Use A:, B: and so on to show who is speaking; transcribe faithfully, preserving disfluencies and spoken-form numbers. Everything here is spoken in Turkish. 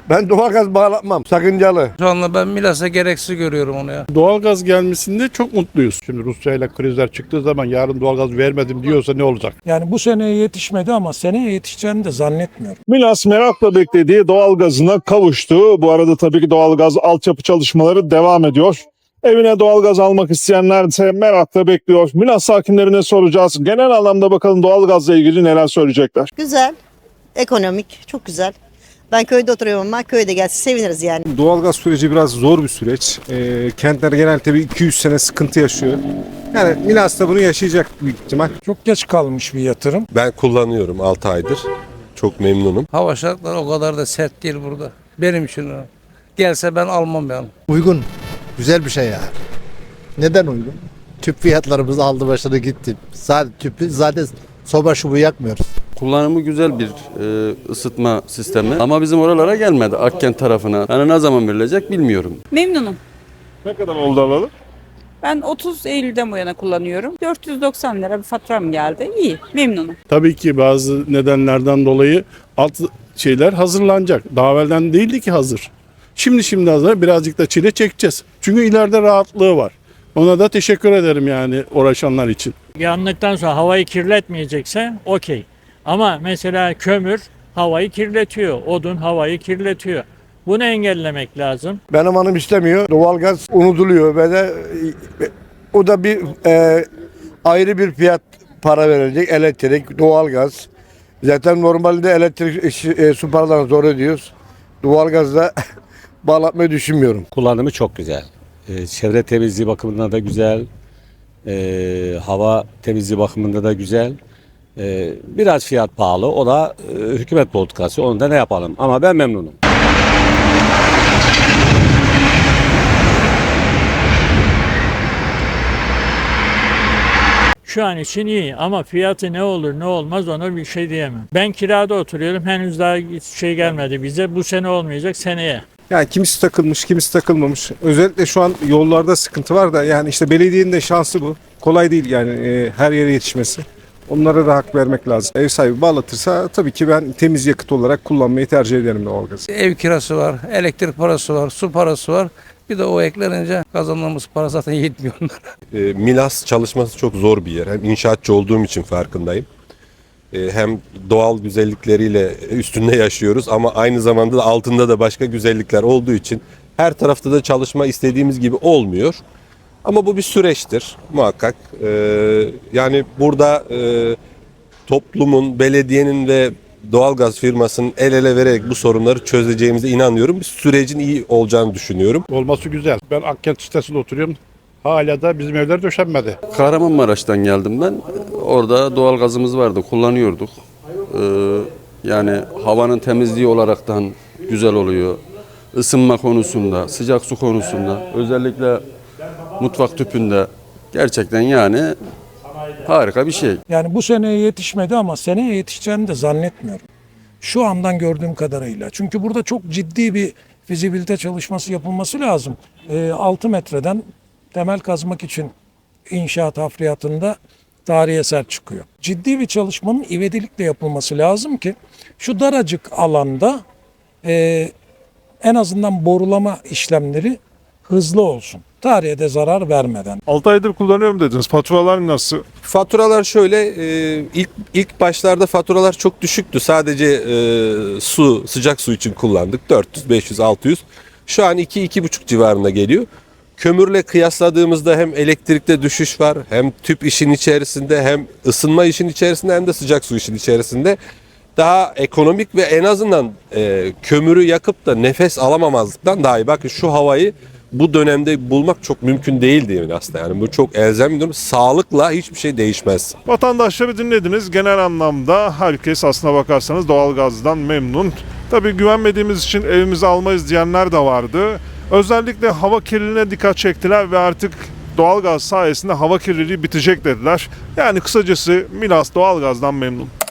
A: Ben doğalgaz bağlatmam. Sakıncalı.
B: Şu anda ben Milas'a gereksiz görüyorum onu ya.
C: Doğalgaz gelmesinde çok mutluyuz. Şimdi Rusya ile krizler çıktığı zaman yarın doğalgaz vermedim diyorsa ne olacak?
D: Yani bu seneye yetişmedi ama seneye yetişeceğini de zannetmiyorum.
E: Milas merakla beklediği doğalgazına kavuştu. Bu arada tabii ki doğalgaz altyapı çalışmaları devam ediyor. Evine doğalgaz almak isteyenler ise merakla bekliyor. Milas sakinlerine soracağız. Genel anlamda bakalım doğalgazla ilgili neler söyleyecekler.
F: Güzel, ekonomik, çok güzel. Ben köyde oturuyorum ama köyde gelse seviniriz yani.
G: Doğalgaz süreci biraz zor bir süreç. E, kentler genelde bir iki yüz sene sıkıntı yaşıyor. Yani Milas da bunu yaşayacak büyük ihtimal.
D: Çok geç kalmış bir yatırım.
H: Ben kullanıyorum altı aydır. Çok memnunum.
B: Hava şartları o kadar da sert değil burada. Benim için o. Gelse ben almam yani.
I: Uygun. Güzel bir şey yani. Neden uygun? Tüp fiyatlarımız aldı başını gitti. Zaten tüpü zaten soba şubu yakmıyoruz.
J: Kullanımı güzel bir e, ısıtma sistemi ama bizim oralara gelmedi, Akkent tarafına. Yani ne zaman verilecek bilmiyorum.
K: Memnunum.
E: Ne kadar oldu alalı?
K: Ben otuz Eylül'den bu yana kullanıyorum. dört yüz doksan lira bir faturam geldi. İyi, memnunum.
C: Tabii ki bazı nedenlerden dolayı alt şeyler hazırlanacak. Daha evvelden değildi ki hazır. Şimdi şimdi hazır. Birazcık da çile çekeceğiz. Çünkü ileride rahatlığı var. Ona da teşekkür ederim yani uğraşanlar için.
L: Yandıktan sonra havayı kirletmeyecekse okey. Ama mesela kömür havayı kirletiyor, odun havayı kirletiyor. Bunu engellemek lazım.
A: Benim hanım istemiyor. Doğalgaz unutuluyor ve de o da bir e, ayrı bir fiyat para verilecek. Elektrik, doğalgaz. Zaten normalde elektrik e, su paralarını zor ödüyoruz. Doğalgazda bağlatmayı düşünmüyorum.
M: Kullanımı çok güzel. Ee, çevre temizliği bakımından da güzel. Ee, hava temizliği bakımında da güzel. Ee, biraz fiyat pahalı. O da e, hükümet politikası. Onu da ne yapalım. Ama ben memnunum.
L: Şu an için iyi ama fiyatı ne olur ne olmaz ona bir şey diyemem. Ben kirada oturuyorum. Henüz daha şey gelmedi bize. Bu sene olmayacak, seneye.
G: Yani kimisi takılmış, kimisi takılmamış. Özellikle şu an yollarda sıkıntı var da yani işte belediyenin de şansı bu. Kolay değil yani e, her yere yetişmesi. Onlara da hak vermek lazım. Ev sahibi bağlatırsa tabii ki ben temiz yakıt olarak kullanmayı tercih ederim doğalgazı.
B: Ev kirası var, elektrik parası var, su parası var. Bir de o eklenince kazandığımız para zaten yetmiyor onlara.
H: E, Milas çalışması çok zor bir yer. Hem inşaatçı olduğum için farkındayım. E, hem doğal güzellikleriyle üstünde yaşıyoruz ama aynı zamanda da altında da başka güzellikler olduğu için her tarafta da çalışma istediğimiz gibi olmuyor. Ama bu bir süreçtir muhakkak. E, yani burada e, toplumun, belediyenin ve doğalgaz firmasının el ele vererek bu sorunları çözeceğimize inanıyorum. Bir sürecin iyi olacağını düşünüyorum.
C: Olması güzel. Ben Akkent sitesinde oturuyorum. Hala da bizim evler döşenmedi.
J: Kahramanmaraş'tan geldim ben. Orada doğalgazımız vardı, kullanıyorduk. Ee, yani havanın temizliği olaraktan güzel oluyor. Isınma konusunda, sıcak su konusunda, özellikle mutfak tüpünde gerçekten yani harika bir şey.
D: Yani bu seneye yetişmedi ama seneye yetişeceğini de zannetmiyorum. Şu andan gördüğüm kadarıyla. Çünkü burada çok ciddi bir fizibilite çalışması yapılması lazım. E, altı metreden temel kazmak için inşaat hafriyatında tarihi eser çıkıyor. Ciddi bir çalışmanın ivedilikle yapılması lazım ki şu daracık alanda e, en azından borulama işlemleri hızlı olsun. Tarihe de zarar vermeden.
E: altı aydır kullanıyorum dediniz. Faturalar nasıl?
H: Faturalar şöyle, e, ilk ilk başlarda faturalar çok düşüktü. Sadece e, su, sıcak su için kullandık. dört yüz, beş yüz, altı yüz. Şu an iki iki buçuk civarında geliyor. Kömürle kıyasladığımızda hem elektrikte düşüş var, hem tüp işin içerisinde, hem ısınma işin içerisinde, hem de sıcak su işin içerisinde. Daha ekonomik ve en azından e, kömürü yakıp da nefes alamamazlıktan daha iyi. Bakın şu havayı bu dönemde bulmak çok mümkün değil diyelim aslında. Yani bu çok elzem bir durum. Sağlıkla hiçbir şey değişmez.
E: Vatandaşları dinlediniz. Genel anlamda herkes aslına bakarsanız doğalgazdan memnun. Tabii güvenmediğimiz için evimize almayız diyenler de vardı. Özellikle hava kirliliğine dikkat çektiler ve artık doğalgaz sayesinde hava kirliliği bitecek dediler. Yani kısacası Milas doğalgazdan memnun.